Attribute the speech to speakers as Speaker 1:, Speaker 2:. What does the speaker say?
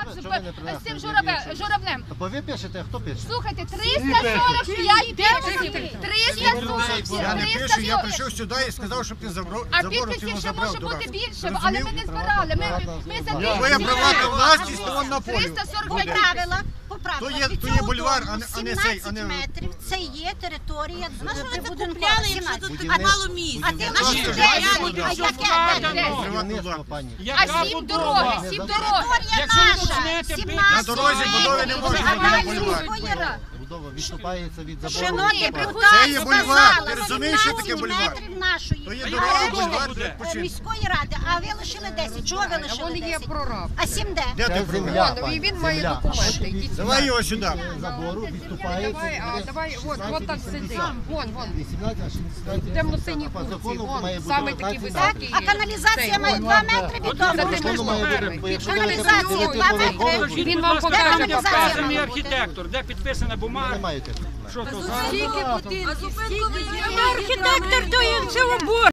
Speaker 1: з цим журавлем.
Speaker 2: Бо ви пишете, а хто пише?
Speaker 1: Слухайте, 345 підписів. 345.
Speaker 3: Я не пишу, я прийшов сюди і сказав, щоб ти забрав.
Speaker 1: А підписів ще може бути більше, але ми не збирали. Ми за
Speaker 3: Твоя приватна власність, то вон на полі.
Speaker 1: 345
Speaker 4: Поправила.
Speaker 3: То є бульвар, а не цей, а не...
Speaker 4: 17 метрів, це є територія прибудинкова.
Speaker 3: А мало місць.
Speaker 4: А ти наші де? А яке?
Speaker 2: Будівництво, пані.
Speaker 1: А 7 дороги, 7 дороги.
Speaker 4: Територія наша. 17
Speaker 3: На дорозі будови не може бути бульвар.
Speaker 2: Будова відступається від забору.
Speaker 4: Шановні
Speaker 3: Це є бульвар. Ти розумієш, що таке бульвар?
Speaker 4: нашої
Speaker 3: То є дорога, бульвар,
Speaker 4: міської ради, а ви лишили 10. Чого ви лишили 10? А 7 де?
Speaker 3: Де ти
Speaker 2: Це
Speaker 3: прораб?
Speaker 2: земля,
Speaker 5: І він
Speaker 2: пані,
Speaker 5: має
Speaker 2: земля.
Speaker 5: документи.
Speaker 3: Давай його сюди.
Speaker 2: Забору відступається.
Speaker 5: Давай, от так сиди. Вон.
Speaker 2: 18, а 16.
Speaker 5: Темно-сині
Speaker 2: По
Speaker 5: курці,
Speaker 2: закону
Speaker 5: вон,
Speaker 2: має бути
Speaker 5: саме такі
Speaker 2: 19.
Speaker 5: високі.
Speaker 4: А каналізація має 2 метри від
Speaker 5: За
Speaker 4: дому.
Speaker 5: тим
Speaker 2: Закону має бути, бо якщо ви
Speaker 4: Каналізація
Speaker 2: будете
Speaker 4: 2
Speaker 2: поверхово,
Speaker 4: метри.
Speaker 5: Він вам покаже,
Speaker 4: каналізація
Speaker 5: покаже.
Speaker 4: має
Speaker 6: Вказаний
Speaker 4: бути?
Speaker 6: архітектор, де підписана
Speaker 2: ви
Speaker 6: бумага,
Speaker 2: не маєте.
Speaker 6: що то за...
Speaker 4: Архітектор то є в цілому